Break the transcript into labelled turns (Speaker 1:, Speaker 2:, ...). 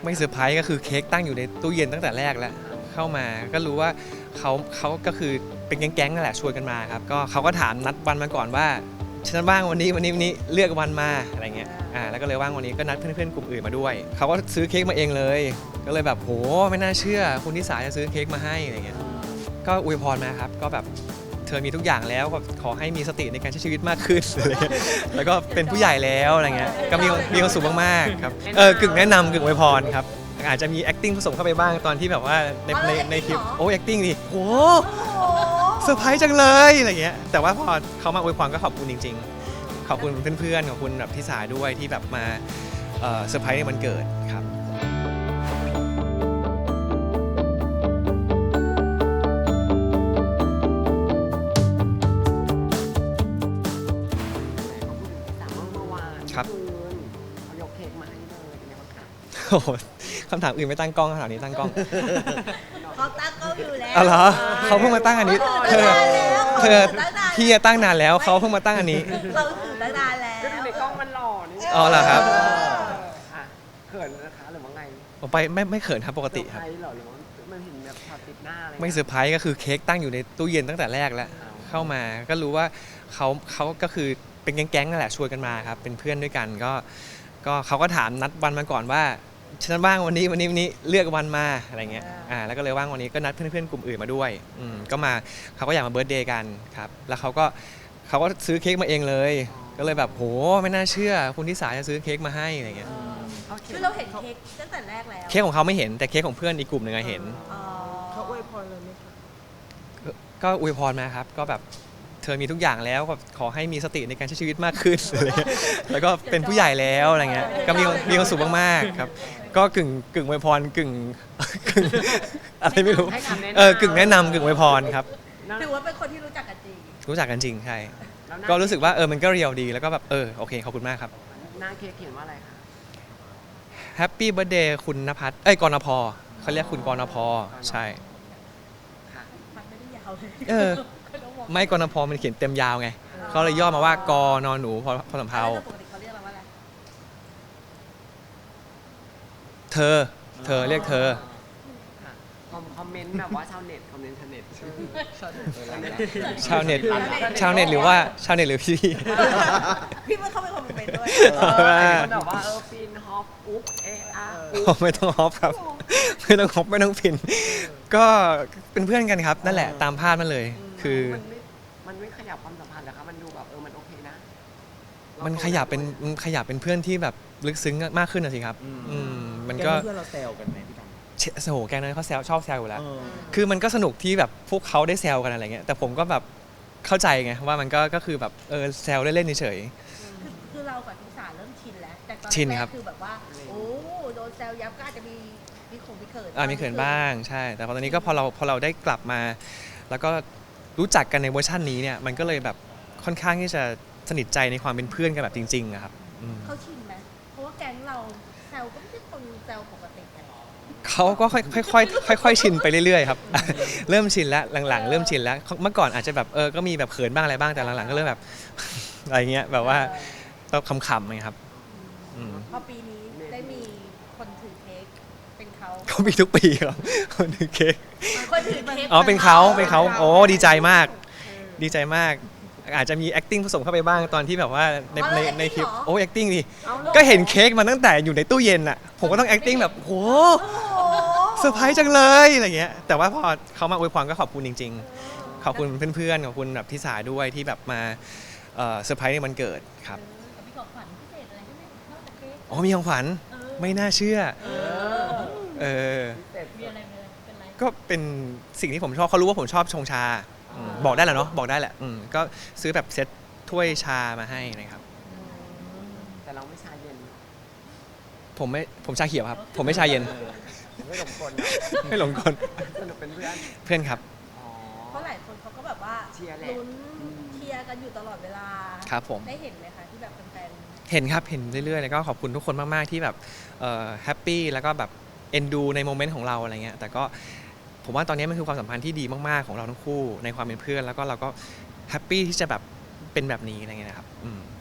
Speaker 1: ไม่เซอร์ไพรส์ก็คือเค้กตั้งอยู่ในตู้เย็นตั้งแต่แรกแล้วเข้ามาก็รู้ว่าเขาก็คือเป็นแก๊งๆนั่นแหละชวนกันมาครับก็เขาก็ถามนัดวันมาก่อนว่าฉันว่างวันนี้เลือกวันมาอะไรเงี้ยแล้วก็เลยว่างวันนี้ก็นัดเพื่อนๆกลุ่มอื่นมาด้วยเขาก็ซื้อเค้กมาเองเลยก็เลยแบบโหไม่น่าเชื่อคุณทิสาจะซื้อเค้กมาให้อะไรเงี้ยก็อวยพรมาครับก็แบบเธอมีทุกอย่างแล้วก็ขอให้มีสติในการใช้ชีวิตมากขึ้นอะไรเงี้ยแล้วก็เป็นผู้ใหญ่แล้วอะไรเงี้ยก็มีความสุขมากๆครับกึ่งแนะนำกึ่งอวยพรครับอาจจะมี acting ผสมเข้าไปบ้างตอนที่แบบว่าในคลิปโอ้ acting ดิโหเซอร์ไพรส์จังเลยอะไรเงี้ยแต่ว่าพอเขามาอวยพรก็ขอบคุณจริงๆขอบคุณเพื่อนๆขอบคุณแบบทิสาด้วยที่แบบมาเซอร์ไพรส์ในวันเกิดครับครับ
Speaker 2: เขายกเค้กมาให้เลยเป็นไงบ้างคะ
Speaker 1: โอ้โหคำถามอื่นไม่ตั้งกล้องคำถามนี้ตั้งกล้อง
Speaker 3: เขาตั้งกล้องอยู่แล้ว
Speaker 1: อ๋อเหรอเขาเพิ่งมาตั้งอันนี้เธอพี่ตั้งนานแล้วเขาเพิ่งมาตั้งอันนี้
Speaker 3: เราถือตั้งนานแล้ว
Speaker 2: ก็ดูในกล้องมันหล่อนี่
Speaker 1: อ๋อเหรอครับ
Speaker 2: อ่ะเขินนะคะหรือว่าไง
Speaker 1: ผมไปไม่เขินครับปกติครับ
Speaker 2: เซอไพส์เหรอหรือว่ามันเห็นแบบช็อตติดหน้าอะไร
Speaker 1: ไม่เซอร์ไพรส์ก็คือเค้กตั้งอยู่ในตู้เย็นตั้งแต่แรกแล้วเข้ามาก็รู้ว่าเขาก็คือเป็นแก๊งๆนั่นแหละชวนกันมาครับเป็นเพื่อนด้วยกันก็เขาก็ถามนัดวันมาก่อนว่าฉันว่างวันนี้เลือกวันมาอะไรเงี้ยแล้วก็เลยว่างวันนี้ก็นัดเพื่อนๆกลุ่มอื่นมาด้วยก็มาเขาก็อยากมาเบิร์ธเดย์กันครับแล้วเขาก็ซื้อเค้กมาเองเลยก็เลยแบบโหไม่น่าเชื่อคุณทิสาจะซื้อเค้กมาให้อะไรเงี้ย
Speaker 3: คือเราเห็นเค้กตั้งแต่แรกแล้ว
Speaker 1: เค้กของเขาไม่เห็นแต่เค้กของเพื่อนอีกกลุ่มหนึ่งเห็น
Speaker 2: เขาอวยพรเลยไหมคะ
Speaker 1: ก็อวยพรมาครับก็แบบเธอมีทุกอย่างแล้วก็ขอให้มีสติในการใช้ชีวิตมากขึ้นอะไรเงี้ยแล้วก็เป็นผู้ใหญ่แล้วอะไรเงี้ยก็มีความสุขมากๆครับก็กึ่งอวยพรกึ่งอะไรไม่รู้กึ่งแนะนำกึ่งอวยพรครับ
Speaker 3: ถือว่าเป็นคนที่รู้จักกันจริง
Speaker 1: รู้จักกันจริงใช่
Speaker 2: แล้วหน้า
Speaker 1: ก็รู้สึกว่ามันก็เรียวดีแล้วก็แบบโอเคขอบคุณมากครับ
Speaker 2: หน้าเค้กเขียนว่าอะไรคะ
Speaker 1: แฮปปี้เบิร์ธเดย์คุณณภัทรกรณพเขาเรียกคุณกรณพใช่
Speaker 2: ค่ะ
Speaker 3: มันไม่ได้ยาวเลย
Speaker 1: ไม่กรณพมันเขียนเต็มยาวไงเขาเลยย่อมาว่ากนหนูพอสำเภา
Speaker 3: ปกติเขาเรียกเราว่าอะไร
Speaker 1: เธอเรียกเธอ
Speaker 2: ค่ะคอมเมนต์แบบว่าชาวเน็ตคอมเมนต์ชาวเน็ต
Speaker 1: ชาวเน็ตหรือว่าชาวเน็ตหรือพี่
Speaker 3: พี่มันเข้าไปคอมเมนต์ด้วย
Speaker 2: คนแบบว่าฟินฮอปอุ๊บอุ๊บ
Speaker 1: ไม่ต้องฮอปครับไม่ต้องฮอปไม่ต้องฟินก็เป็นเพื่อนกันครับนั่นแหละตามภาพนั่นเลยคือ
Speaker 2: มันไม่ขยับความสัมพันธ์เหรอคะมันดูแบบมันโอเคนะ
Speaker 1: มันขยับเป็นเพื่อนที่แบบลึกซึ้งมากขึ้นนะสิครับมันก็
Speaker 4: เพื่อนเราแซวกันไหมพี่กัน
Speaker 1: โอ้โหแกงนั้นเขาชอบแซวอยู่แล้วคือมันก็สนุกที่แบบพวกเขาได้แซวกันอะไรเงี้ยแต่ผมก็แบบเข้าใจไงว่ามันก็คือแบบแซวเล่นๆเฉย
Speaker 3: คือเรากับทิสาเริ่มชินแล้วแต่ตอน
Speaker 1: ชิน
Speaker 3: แร
Speaker 1: ครั
Speaker 3: ก
Speaker 1: บ
Speaker 3: คือแบบว่าโอ้โดนแซวยับก็อาจจะมีเขิน
Speaker 1: มีเขินบ้างใช่แต่พอตอนนี้ก็พอเราได้กลับมา แล้วก็รู้จักกันในเวอร์ชันนี้เนี่ยมันก็เลยแบบค่อนข้างที่จะสนิทใจในความเป็นเพื่อนกันแบบจริงๆอะครับ
Speaker 3: เขาชินไหมเพราะว่าแก๊งเราแซวก็ไม่ใช่คนแซวปกติกัน
Speaker 1: เขาก็ค่อยชินไปเรื่อยๆครับ เริ่มชินแล้วหลังๆเริ่มชินแล้วเมื่อก่อนอาจจะแบบก็มีแบบเขินบ้างอะไรบ้างแต่หลังๆก็เริ่มแบบ อะไรเงี้ยแบบว่าต้องขำๆไงครับ
Speaker 3: พอปีนี้ได้มีคนถือเค้กเป็นเขา
Speaker 1: เขามีทุกปีครับคนถือเค้ก
Speaker 3: คนถือเค้ก
Speaker 1: เป็นเขาโอ้ดีใจมากดีใจมากอาจจะมี acting ผสมเข้าไปบ้างตอนที่แบบว่าในคลิปโอ้ acting ดิก็เห็นเค้กมาตั้งแต่อยู่ในตู้เย็นอ่ะผมก็ต้อง acting แบบโหเซอร์ไพรส์จังเลยอะไรเงี้ยแต่ว่าพอเขามาอวยพรก็ขอบคุณจริงๆขอบคุณเพื่อนๆขอบคุณแบบทิสาด้วยที่แบบมาเซอร์ไพรส์ในวันเกิดครับ
Speaker 3: มีของขวัญพิเศษอะไรไหมนอกจากเค้ก
Speaker 1: อ๋อมีของขวัญไม่น่าเชื่อ
Speaker 3: มีอะไรเป็นไร
Speaker 1: ก็เป็นสิ่งที่ผมชอบเขารู้ว่าผมชอบชงชาบอกได้แหละเนาะบอกได้แหละก็ซื้อแบบเซ็ตถ้วยชามาให้นะครับ
Speaker 2: แต่เราไม่ชาเย็น
Speaker 1: ผมชาเขียวครับผมไม่ชาเย็น
Speaker 2: ไม่หลงกล
Speaker 1: ไม่หลงกล
Speaker 2: สนุกเป็นเพื่อน
Speaker 1: เพื่อนครับ
Speaker 3: เพราะหลายคนเขาก็แบบว่า
Speaker 2: เชียร์แหละ
Speaker 3: ลุ้นเชียร์กันอยู่ตลอดเวลา
Speaker 1: ครับผม
Speaker 3: ได้เห็นไหมคะที่แบบแฟน
Speaker 1: เห็นครับเห็นเรื่อยๆแล้วก็ขอบคุณทุกคนมากๆที่แบบแฮปปี้แล้วก็แบบเอ็นดูในโมเมนต์ของเราอะไรเงี้ยแต่ก็ผมว่าตอนนี้มันคือความสัมพันธ์ที่ดีมากๆของเราทั้งคู่ในความเป็นเพื่อนแล้วก็เราก็แฮปปี้ที่จะแบบเป็นแบบนี้อะไรเงี้ยนะครับ